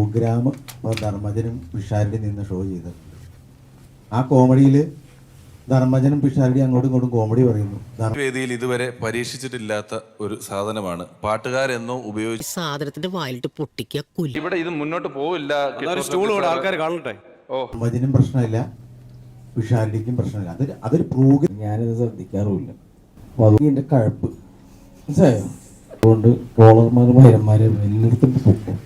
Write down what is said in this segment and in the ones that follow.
Programme ധർമ്മജനും Pisharody നിന്ന് show ചെയ്തിട്ടുണ്ട്. ആ കോമഡിയിൽ ധർമ്മജനും പിഷാരടി അങ്ങോട്ടും ഇങ്ങോട്ടും കോമഡി പറയുന്നു. വേദിയിൽ ഇതുവരെ പരീക്ഷിച്ചിട്ടില്ലാത്ത ഒരു സാധനമാണ് പാട്ടുകാരെന്നോ ഉപയോഗിച്ച് സാധനത്തിന്റെ വായിലിട്ട് പൊട്ടിക്കുക കൊല്ലി. ഇവിടെ ഇത് മുന്നോട്ട് പോവില്ല. ആൾക്കാർ കാണട്ടെ. ധർമ്മജനും പ്രശ്നമില്ല, പിഷാരടിക്കും പ്രശ്നമില്ല. അതൊരു പ്രോഗ്രാം. ഞാനിത് ശ്രദ്ധിക്കാറുമില്ല. അപ്പോൾ അത് എൻ്റെ കഴപ്പ് മനസ്സിലായോ? അതുകൊണ്ട് ട്രോളർമാരും ഭൈരന്മാരും എല്ലായിടത്തും പൊക്കും.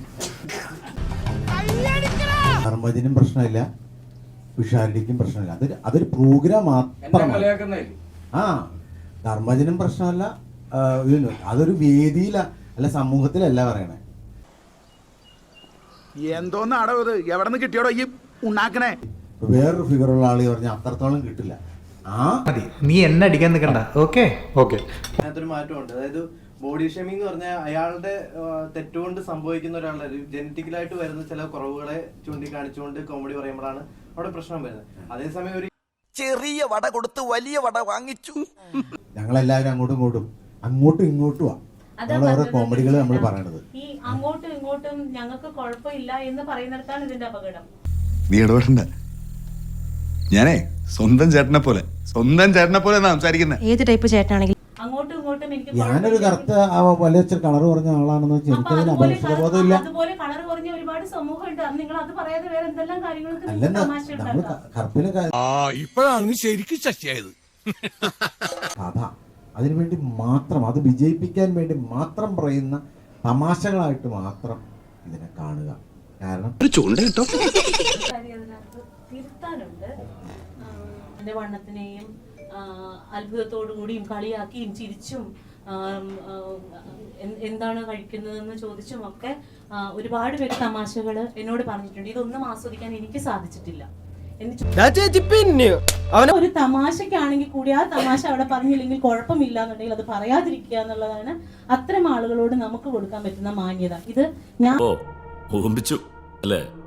ധർമ്മജനും പ്രശ്നമില്ല, പിഷാരടിക്കും പ്രശ്നമില്ല. അതൊരു പ്രോഗ്രാം മാത്രമാണ്. ആ ധർമ്മജനും പ്രശ്നമല്ല, അതൊരു വേദിയില അല്ല സമൂഹത്തിലല്ല പറയണേ. എന്തോന്നാടോ ഇത്? എവിടെ നിന്ന് കിട്ടിയോടോ ഈ ഉണ്ടാക്കണേ? വേറൊരു ഫിഗറുള്ള ആള് പറഞ്ഞാൽ അത്രത്തോളം കിട്ടില്ല. നീ എന്നെ അടിക്കാൻ നിൽക്കണ്ട. ഓക്കെ അതിനകത്തൊരു മാറ്റമുണ്ട്. അതായത് ബോഡി ഷേമിംഗ് എന്ന് പറഞ്ഞാൽ അയാളുടെ തെറ്റുകൊണ്ട് സംഭവിക്കുന്ന ഒരാളുടെ ജനറ്റിക്കലായിട്ട് വരുന്ന ചില കുറവുകളെ ചൂണ്ടിക്കാണിച്ചുകൊണ്ട് കോമഡി പറയുമ്പോഴാണ് അവിടെ പ്രശ്നം വരുന്നത്. അതേസമയം ഒരു ചെറിയ വട കൊടുത്ത് വലിയ വട വാങ്ങിച്ചു. ഞങ്ങളെല്ലാവരും അങ്ങോട്ടും ഇങ്ങോട്ടും ഓരോ കോമഡികൾ നമ്മൾ പറയണത്. ഈ അങ്ങോട്ടും ഇങ്ങോട്ടും ഞങ്ങൾക്ക് കുഴപ്പമില്ല എന്ന് പറയുന്നിടത്താണ് ഇതിന്റെ അപകടം. നീ ഇടപെടണ്ട. ഞാനേ സ്വന്തം ചേട്ടനെ പോലെ സംസാരിക്കുന്നത്. ഏത് ടൈപ്പ് ചേട്ടനാണെങ്കിൽ അങ്ങോട്ടും ഇങ്ങോട്ടും എനിക്ക് ഞാനൊരു കറുത്ത വലിയ കളർ പറഞ്ഞ ആളാണെന്ന് വെച്ചാൽ എനിക്കതിന് അപകർഷബോധമില്ല. അതുപോലെ കളർ പറഞ്ഞ ഒരുപാട് സമൂഹമുണ്ട്. നിങ്ങൾ അത് പറയാതെ വേറെ എന്തെല്ലാം കാര്യങ്ങൾക്ക് അല്ലെന്ന് നമ്മള് കറുപ്പിനെ ഇപ്പോഴാണ് ശരിക്കും ശശിയായത്. കഥ അതിനുവേണ്ടി മാത്രം, അത് വിജയിപ്പിക്കാൻ വേണ്ടി മാത്രം പറയുന്ന തമാശകളായിട്ട് മാത്രം ഇതിനെ കാണുക. കാരണം തിരുത്താനുണ്ട്. എന്റെ വണ്ണത്തിനെയും അത്ഭുതത്തോടു കൂടിയും കളിയാക്കിയും ചിരിച്ചും എന്താണ് കഴിക്കുന്നതെന്ന് ചോദിച്ചും ഒക്കെ ഒരുപാട് പേര് തമാശകൾ എന്നോട് പറഞ്ഞിട്ടുണ്ട്. ഇതൊന്നും ആസ്വദിക്കാൻ എനിക്ക് സാധിച്ചിട്ടില്ല. ഒരു തമാശക്കാണെങ്കിൽ കൂടി ആ തമാശ അവിടെ പറഞ്ഞില്ലെങ്കിൽ കുഴപ്പമില്ല എന്നുണ്ടെങ്കിൽ അത് പറയാതിരിക്കുക എന്നുള്ളതാണ് അത്തരം ആളുകളോട് നമുക്ക് കൊടുക്കാൻ പറ്റുന്ന മാന്യത. ഇത് ഞാൻ അല്ലേ?